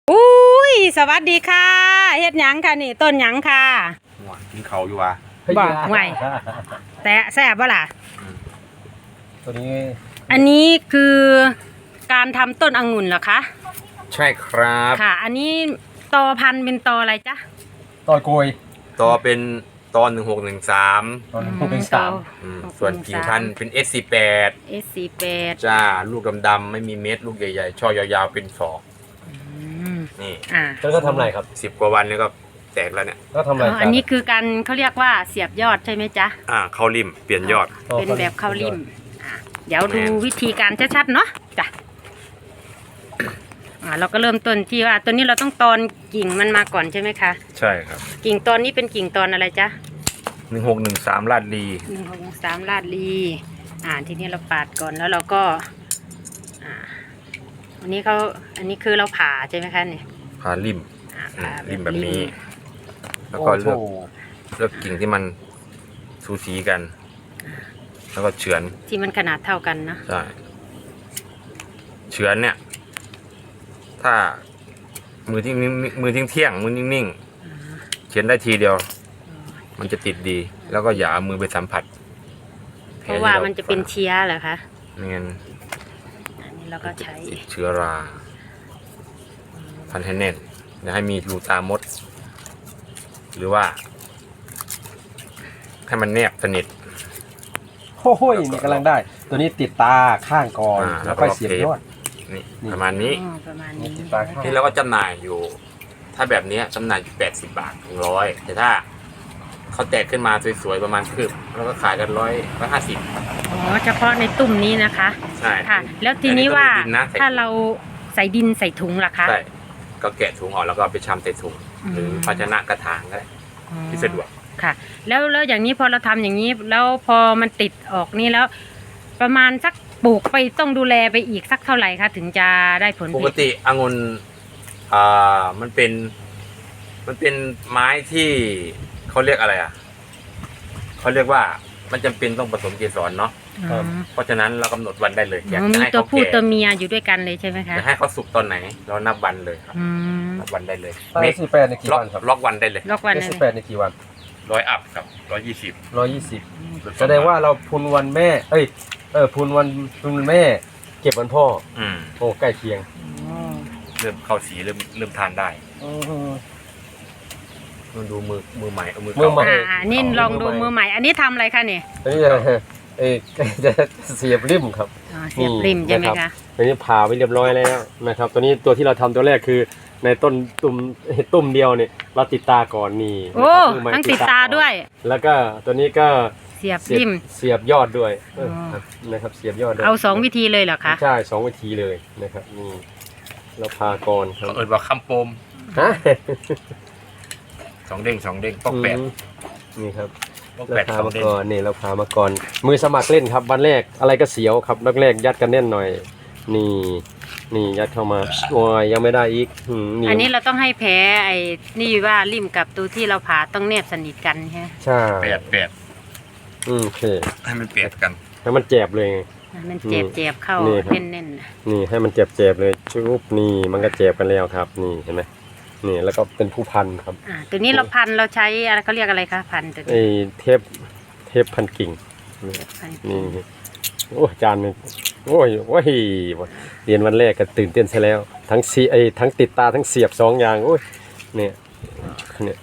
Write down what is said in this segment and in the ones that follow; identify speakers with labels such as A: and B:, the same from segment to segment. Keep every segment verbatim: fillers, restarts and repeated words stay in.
A: อุ้ยสวัสดีค่ะเฮ็ดหยังค่ะนี่ต้นหยังค่ะ
B: หัวกินเขาอยู่วะ
A: บอกไงแต่แซ่บบ่ล่ะ
C: ตัวนี้
A: อันนี้คือการทำต้นองุ่นเหรอคะ
B: ใช่ครับ
A: ค่ะอันนี้ตอพันธุ์เป็นตออะไรจ๊ะ
C: ตอยโกย
B: ตอเป็นตอนหนึ่งหกหนึ่งสาม
C: ตอนหกเป็นสาม
B: ส่วนกิ่งพันธุ์เป็น เอส สี่สิบแปด
A: เอส สี่สิบแปด
B: จ้าลูกดำๆไม่มีเม็ดลูกใหญ่ๆช่อยาวๆเป็นศอกนี่
A: อ่า
C: แล้วก็ทำอะไรครับ
B: สิบกว่าวันนี้ก็แตกแล้วเนี่ย
C: ก็ทำอะไร
A: อันนี้คือการเขาเรียกว่าเสียบยอดใช่ไหมจ๊ะ
B: อ่าเข้าริมเปลี่ยนยอด
A: เป็นแบบเข้าริมอ่าเดี๋ยวดูวิธีการชัดๆเนาะจ้ะอ่าเราก็เริ่มต้นที่ว่าตัวนี้เราต้องตอนกิ่งมันมาก่อนใช่ไหมคะ
B: ใช่ครับ
A: กิ่งตอนนี้เป็นกิ่งตอนอะไรจ๊ะ
B: หนึ่งหกหนึ่งสามลาดลี
A: หนึ่งหกสามลาดลีอ่าทีนี้เราปาดก่อนแล้วเราก็อ่าอันนี้เขาอันนี้คือเราผ่าใช่ไหมคะเนี่ย
B: ผ่าริม
A: ผ่า
B: ริมแบบนี้แล้วก็เลือกเลือกกิ่งที่มันสูสีกันแล้วก็เฉือน
A: ที่มันขนาดเท่ากันนะ
B: ใช่เฉือนเนี่ยถ้ามือที่มือทิ้งเที่ยงมือนิ่งๆเฉือนได้ทีเดียวมันจะติดดีแล้วก็อย่าเอามือไปสัมผัส
A: เพราะว่ามันจะเป็นเชื้อเหรอคะ
B: ไม่งั้น
A: อันนี้เราก็ใช้
B: เชื้อราพันให้แน่นอย่าให้มีรูตามดหรือว่าให้มันแนบสนิท
C: โอ้โหนี่กำลังได้ตัวนี้ติดตาข้างก่อนแล้วค่อยเสียบยอด
B: นี่ประมาณนี้
A: ประมาณนี้
B: ที่เราก็จำหน่ายอยู่ถ้าแบบนี้จำหน่ายอยู่แปดสิบบาทถึงร้อยแต่ถ้าเขาแตกขึ้นมาสวยๆประมาณคืบแล้วก็ขายกันร้อยร้อยห้าสิบ
A: อ๋อเฉพาะในตุ่มนี้นะคะ
B: ใช่
A: ค่ะแล้วทีนี้ว่าถ้าเราใส่ดินใส่ถุงล่ะคะ
B: ใช่ก็แกะถุงออกแล้วก็ไปชำใส่ถุงหรือภาชนะกระถางก็ได้ที่สะดวก
A: ค่ะแล้วแล้วอย่างนี้พอเราทำอย่างนี้แล้วพอมันติดออกนี่แล้วประมาณสักปลูกไปต้องดูแลไปอีกสักเท่าไหร่คะถึงจะได้ผล
B: ปกติองุ่นอ่ามันเป็นมันเป็นไม้ที่เขาเรียกอะไรอ่ะเขาเรียกว่ามันจำเป็นต้องผสมเกสรเนาะเพราะฉะนั้นเรากำหนดวันได้เลย
A: อยากจะให้ตัวผู้ตัวเมียอยู่ด้วยกันเลยใช่ไหมคะ
B: จะให้เขาสุกตอนไหนเรานับวันเลยครับนับวันได้เลย
C: เอสสี่แปดในกี่วันครับ
B: ล็อกวันได้เลย
A: ล็อกวัน
C: เอสสี่แปดในกี่วัน
B: ร้อยอัพครับร้อยยี่สิบ
C: ร้อยยี่สิบแสดงว่าเราพุนวันแม่เอ้ยเออพุนวันพุนแม่เก็บวันพ่อ
B: อืม
C: โอ้ใกล้เคียง
B: เริ่มเข้าสีเริ่มเริ่มทานได้มันดูมือมือใหม่เอามือ
A: มือใหม่อ่านี่ลองดูมือใหม่อันนี้ทำอะไรคะเนี่ย
C: อันนี้จะเอ้จะเสียบริมครับ
A: เสียบริมใช่ไหมคะ
C: อันนี้ผ่าไปเรียบร้อยแล้วนะครับตัวนี้ตัวที่เราทำตัวแรกคือในต้นตุ่มตุ่มเดียวเนี่ยเราติดตาก่อนนี่
A: โอ้ทั้งติดตาด้วย
C: แล้วก็ตัวนี้ก็
A: เสียบริม
C: เสียบยอดด้วยนะครับเสียบยอดด้วย
A: เอาสองวิธีเลยเหรอคะ
C: ใช่สองวิธีเลยนะครับนี่เราพาก่อนครับ
B: เอิญว่าคำโปม
C: ฮะ
B: สองเด้งสองเด้งปอกแปด
C: นี่ครับ
B: เรา
C: พามาก่อนนี่เราพามาก่อนมือสมัครเล่นครับวันแรกอะไรก็เสียวครับแรกๆยัดกันแน่นหน่อยนี่นี่ยัดเข้ามาโอ้ยยังไม่ได้อีก
A: อันนี้เราต้องให้แผลไอ้นี่ว่าริมกับตัวที่เราผ่าต้องแนบสนิทกันใช่ไหม
C: ใช่
B: แปดแปด
C: อืมโอเค
B: ให้มันเปียกกัน
C: ให้มันเจ็บเลย
A: มันเจ็บเจ็บเข้าแน่นแน่น
C: นี่ให้มันเจ็บเจ็บเลยชุบนี่มันก็เจ็บกันแล้วครับนี่เห็นไหมนี่แล้วก็เป็นผู้พันครับ
A: อ่าตัวนี้เราพันเราใช้อะไรเขาเรียกอะไรคะพันตัวนี้
C: ไอ้เทปเทปพันกิ่งนี่โอ้จานนี่โอ้ยโอ้ยเรียนวันแรกก็ตื่นเต้นซะแล้วทั้งสีไอ้ทั้งติดตาทั้งเสียบสองอย่างโอ้ยเนี่ยเนี่ย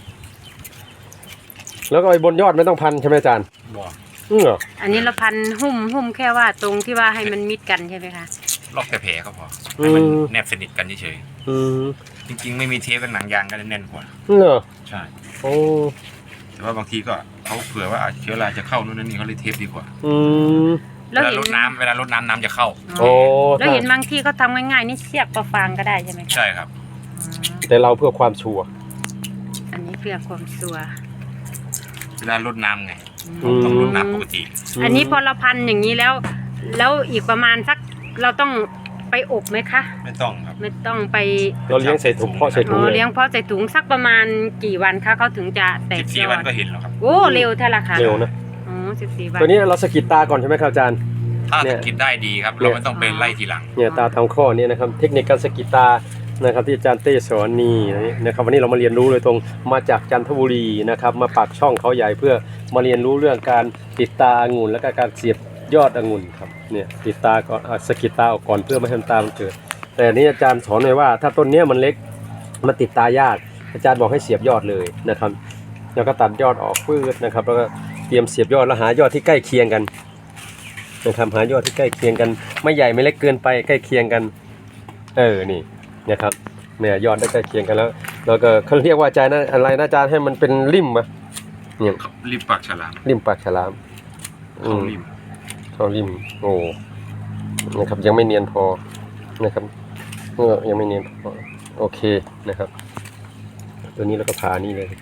C: แล้วก็ไอ้บนยอดไม่ต้องพันใช่ไหมอาจารย์
B: อื
C: อ
A: อันนี้เราพันหุ้มหุ้มแค่ว่าตรงที่ว่าให้มันมิดกันใช่ไหมคะ
B: ล็อกแต่แผลก็พอให้มันแนบสนิทกันเฉยๆจริงๆไม่มีเทปกับหนังยางก็แน่นกว่า
C: เหรอ
B: ใช่
C: โอ้
B: แต่ว่าบางทีก็เขาเผื่อว่าเชื้อราจะเข้านู่นนั่นนี่เขาเลยเทปดีกว่า
C: อืม
B: เวลาลดน้ำเวลาลดน้ำน้ำจะเข้า
C: โอ้
A: แล้วเห็นบางที่เขาทำง่ายๆนี่เสียบประฟางก็ได้ใช่ไหม
B: ใช่ครับ
C: แต่เราเพื่อความชัวร์
A: อันนี้เพื่อความชัวร์
B: เวลาลดน้ำไงต้องลดน้ำปกติ
A: อันนี้พอเราพันอย่างนี้แล้วแล้วอีกประมาณสักเราต้องไปอบไหมคะ
B: ไม่ต้องครับ
A: ไม่ต้องไป
C: เราเลี้ยงใส่ถุงเพาะใส่ถุง
A: เลี้ยงเพาะใส่ถุงสักประมาณกี่วันคะเขาถึงจะแตกยอด
B: สิบสี่วันก็เห็นแล้วครับ
A: โอ้เร็วเท่าไหร่คะ
C: เร็วนะ
A: อ๋อสิบสี่วัน
C: ตัวนี้เราสกิดตาก่อนใช่ไหมครับอาจารย์
B: ถ้าสกิดได้ดีครับเราไม่ต้องไปไล่ทีหลัง
C: เนี่ยตาทางข้อนี้นะครับเทคนิคการสกิดตานะครับที่อาจารย์เต้สอนนี่นะครับวันนี้เรามาเรียนรู้โดยตรงมาจากจันทบุรีนะครับมาปากช่องเขาใหญ่เพื่อมาเรียนรู้เรื่องการติดตาองุ่นและก็การเสียบยอดองุ่นครับเนี่ยติดตาก่อนสกิดตาออกก่อนเพื่อไม่ให้ตามันเกิดแต่นี้อาจารย์สอนไว้ว่าถ้าต้นเนี้ยมันเล็กมันติดตายากอาจารย์บอกให้เสียบยอดเลยนะครับแล้วก็ตัดยอดออกพืชนะครับแล้วก็เตรียมเสียบยอดแล้วหายอดที่ใกล้เคียงกันนะครับหายอดที่ใกล้เคียงกันไม่ใหญ่ไม่เล็กเกินไปใกล้เคียงกันเออนี่นะครับเนี่ยยอดได้ใกล้เคียงกันแล้วแล้วก็เขาเรียกว่าอาจารย์นะอะไรนะอาจารย์ให้มันเป็นริมปะเนี่ย
B: ริมปากฉลาม
C: ริมปากฉลามอื
B: เข้าม ริม
C: เข้าริมโอ้นะครับยังไม่เนียนพอนะครับเออยังไม่เนียนพอโอเคนะครับตัวนี้เราก็ผ่านี่เลย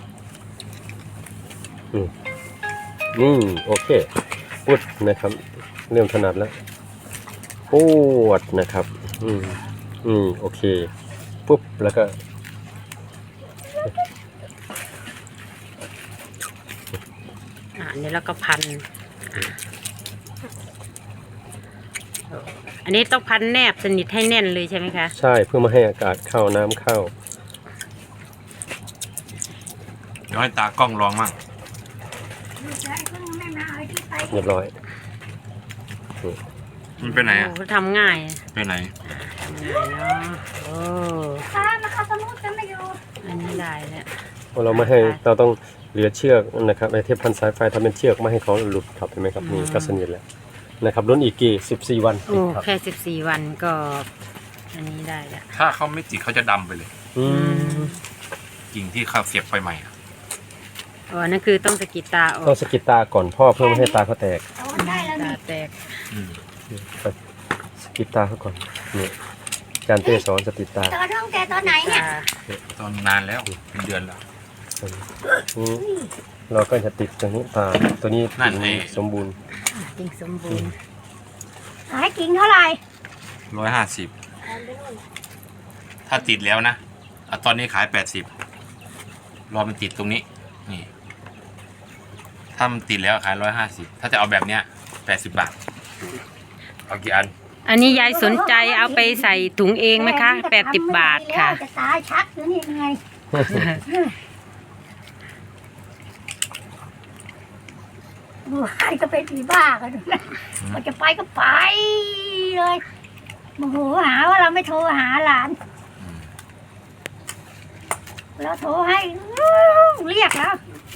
C: อืมนี่โอเคปุดนะครับเริ่มถนัดแล้วปวดนะครับอืมอืมโอเคปุ๊บแล้วก็
A: อ่าอันนี้แล้วก็พันอ่าอันนี้ต้องพันแนบสนิทให้แน่นเลยใช่ไหมคะ
C: ใช่เพื่อไม่ให้อากาศเข้าน้ำเข้า
B: เดี๋ยวให้ตากล้องลองมั่ง
C: เรียบร้อย
B: มันไปไหนอ่ะ
A: โอ้ทำง่าย
B: ไปไหน
A: ทำง่ายเนาะโอ้
D: ค่ะมาเข้าสมุดกันไม่อยู่
A: อันนี้ได้แล้ว
C: เพราะเราไม่ให้เราต้องเหลือเชือกนะครับไอเทปพันสายไฟทำเป็นเชือกไม่ให้เขาหลุดครับเห็นไหมครับนี่ก็สนิทแล้วนะครับรุ่นอีกกี่สิบสี่วัน
A: โอ้
C: ครับ
A: แค่สิบสี่วันก็อันนี้ได้แล้ว
B: ถ้าเขาไม่ติดเขาจะดำไปเลย
C: อืม
B: กิ่งที่เขาเสียบไปใหม่อะ
A: อ๋อนั่นคือต้องสะกิดตาออ
C: ต้อก งสะกิดตาก่อนพ่อเพื่อไม่ให้ตาเขาแตก
D: เอาได้แล้ว
A: ตา
D: นี่
A: แตก
B: อืม
C: สะกิดตาเขาก่อนนี่อาจารย์เต้สอนสะกิดตา
D: ตอนท้องแกตอนไหนเนี่ย
A: ตา
B: ตอนนานแล้วเป็นเดือนแล้ว
C: นี่เราก็จะติดตรงนี้ตาตัวนี้
B: นั่นไง
C: สมบูรณ์
A: จริงสมบูรณ์
D: ขายกิ่งเท่าไหร่
B: ร้อยห้าสิบถ้าติดแล้วนะอ่ะตอนนี้ขายแปดสิบรอมันติดตรงนี้นี่ถ้ามันติดแล้วขายร้อยห้าสิบถ้าจะเอาแบบเนี้ยแปดสิบบาทเอากี่อัน
A: อันนี้ยายสนใจเอาไปใส่ถุงเองไหมคะแปดสิบบาทค่ะ
D: จะตายชักหรือนี่ไงดูใครก็เป็นผีบ้ากันดูนะมันจะไปก็ไปเลยโมโหหาว่าเราไม่โทรหาหลานเราโทรให้เรียกแล้ว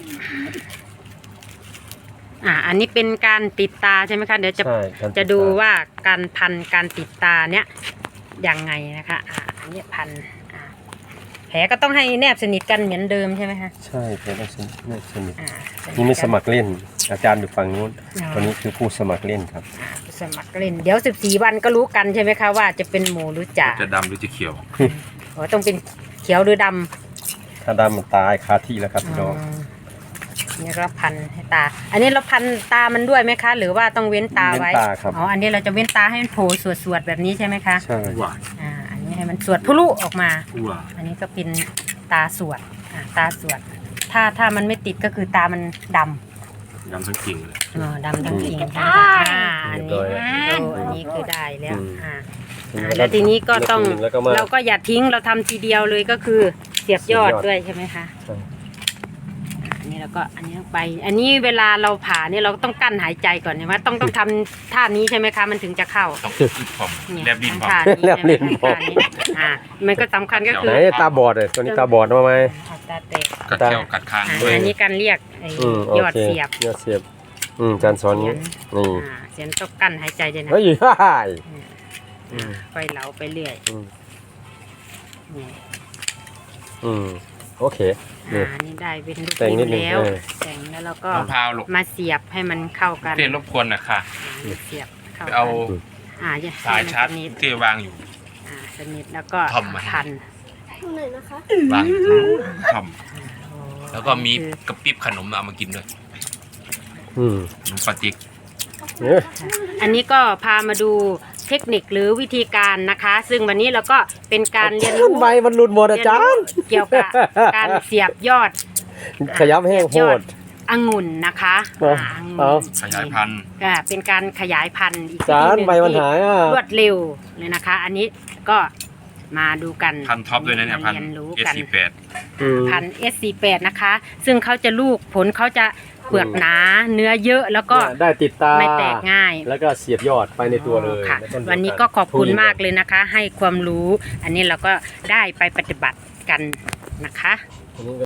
A: อ่าอันนี้เป็นการติดตาใช่ไหมคะเดี๋ยวจะ
C: ใช่การติ
A: จะ
C: ตา
A: ดูว่าการพันการติดตาเนี้ยยังไงนะคะอ่าอันนี้พันอ่าแผลก็ต้องให้แนบสนิทกันเหมือนเดิมใช่ไหมคะ
C: ใช่แกต้องสนิทไม่สนิท
A: อ่าส
C: นี่ไม่
A: กั
C: สมัครเล่น อาจารย์อยู่ฝั่งนู้น
A: อ๋อ
C: ตัวนี้คือผู้สมัครเล่นครับ
A: อ่าสมัครเล่นเดี๋ยวสิบสี่วันก็รู้กันใช่ไหมคะว่าจะเป็นหมูหรือจ่า
B: จะดำหรือจะเขียว
A: อ๋อต้องเป็นเขียวหรือด
C: ถ้าดำมันตายคาที่แล้วครับ
A: ำ
C: พี่น้อง
A: อืมนี่ก็พันให้ตา อันนี้เราพันตามันด้วยไหมคะ หรือว่าต้องเว้นตาไว้
C: เว้นตาครับ
A: อ๋ออันนี้เราจะเว้นตาให้มันโผล่สวดๆแบบนี้ใช่ไหมคะ
C: ใช่
B: หวาน
A: อ่าอันนี้ให้มันสวดพลุออกมา
B: หวาน
A: อันนี้ก็เป็นตาสวดอ่าตาสวด ถ้าถ้ามันไม่ติดก็คือตามันดำ
B: ดำทั้งกิ่งเลย
A: อ๋อดำทั้งกิ่ง
D: ได้
A: อ่าอันนี้โอ้อันนี้คือได้แล้ว
C: อืม
A: อ่าอ่าแล้วทีนี้ก็ต้อง
C: แล้วก็มา
A: เราก็อย่าทิ้งเราทำทีเดียวเลยก็คือเสียบยอด
C: เสียบยอด
A: ด้วยใช่ไหมคะ
C: ใช่
A: อันนี้เราก็อันนี้ลงไป อันนี้เวลาเราผ่าเนี่ยเราต้องกั้นหายใจก่อนใช่ไหมต้องต้องทำท่านี้ใช่ไหมคะมันถึงจะเข้า
B: ต้องรีบพร้อม
A: เนี่ย
B: แลบดินพร้อม
A: ท่านี้ใช่ไหมคะท่านี้อ่ามันก็สำคัญก็คื
C: ไหน
A: อ
C: ตาบอดเลยตัวนี้ตาบอดมาไหม
A: เอาตาแตก
B: กัดแก้วกัดคาง
A: อ่า
B: ด้วย
A: อันนี้การเรียกไอ้
C: อืมโอย
A: อด
C: เค
A: เสียบ
C: ยอดเสียบอืมอาจารย์สอนนี้นี่
A: อ่าเสียงต้องกั้นหายใจด้วยนะ
C: เฮ้ยฮ่าฮ่าอืม
A: ค่อยเหลาไปเรื่อย
C: อืม
A: นี่
C: อืมโอเคนี่
A: อ่านี่ได้เป็นลูก
C: แต่งนิดนึง
A: แล้ว
C: เออ
A: แต่งแล้วเราก็
B: มะพร้าวลูก
A: มาเสียบให้มันเข้ากัน
B: เต้รบกวนหนะค่ะ
A: อ่าเสียบเข้า
B: ไป
A: กัน
B: เอา
A: อ่าอย่
B: สายชาร์จ
A: ให้มันสนิท
B: ที่วางอยู่
A: อ่าสนิทแล้วก็
B: ทำไว้
A: พัน
D: หนึ่งนะคะ
B: วางอยู่ท
A: โอ้
B: ำแล้วก็มีกระปิบขนมเอามากินด้วย
C: อืม
B: ขนมปาติก
C: เนี่ย
A: อันนี้ก็พามาดูเทคนิคหรือวิธีการนะคะ ซึ่งวันนี้เราก็เป็นการเรียนรู้
C: ใบมันหลุดหมดอาจารย์
A: เกี่ยวกับการเสียบยอด
C: ขยับแห้งโหด
A: องุ่นนะคะ
C: เอา
A: อ่องุ่น
C: เอา
B: ขยายพันธุ์
A: ก็เป็นการขยายพันธุ์อีก
C: อาจารย์
A: ที่
C: ใบมันหายอ่ะ
A: รวดเร็วเลยนะคะ อันนี้ก็มาดูกัน
B: พันท็อปด้วยนะเนี่ยพัน
A: มาเรียนรู้
B: เอส
A: กัน
B: สี่แปด
C: อืม
A: พัน เอส สี่แปด นะคะ ซึ่งเขาจะลูกผลเขาจะเปลือกหนาเนื้อเยอะแล้วก็
C: เนี่ยได้ติดตา
A: ไม่แตกง่าย
C: แล้วก็เสียบยอดไปในตัวเลย
A: ค่ะ
C: ใต้เดีย
A: วันนี้ก็ขอบคุณมากเลยนะคะ ให้ความรู้ อันนี้เราก็ได้ไปปฏิบัติกันนะคะ
C: อันนี้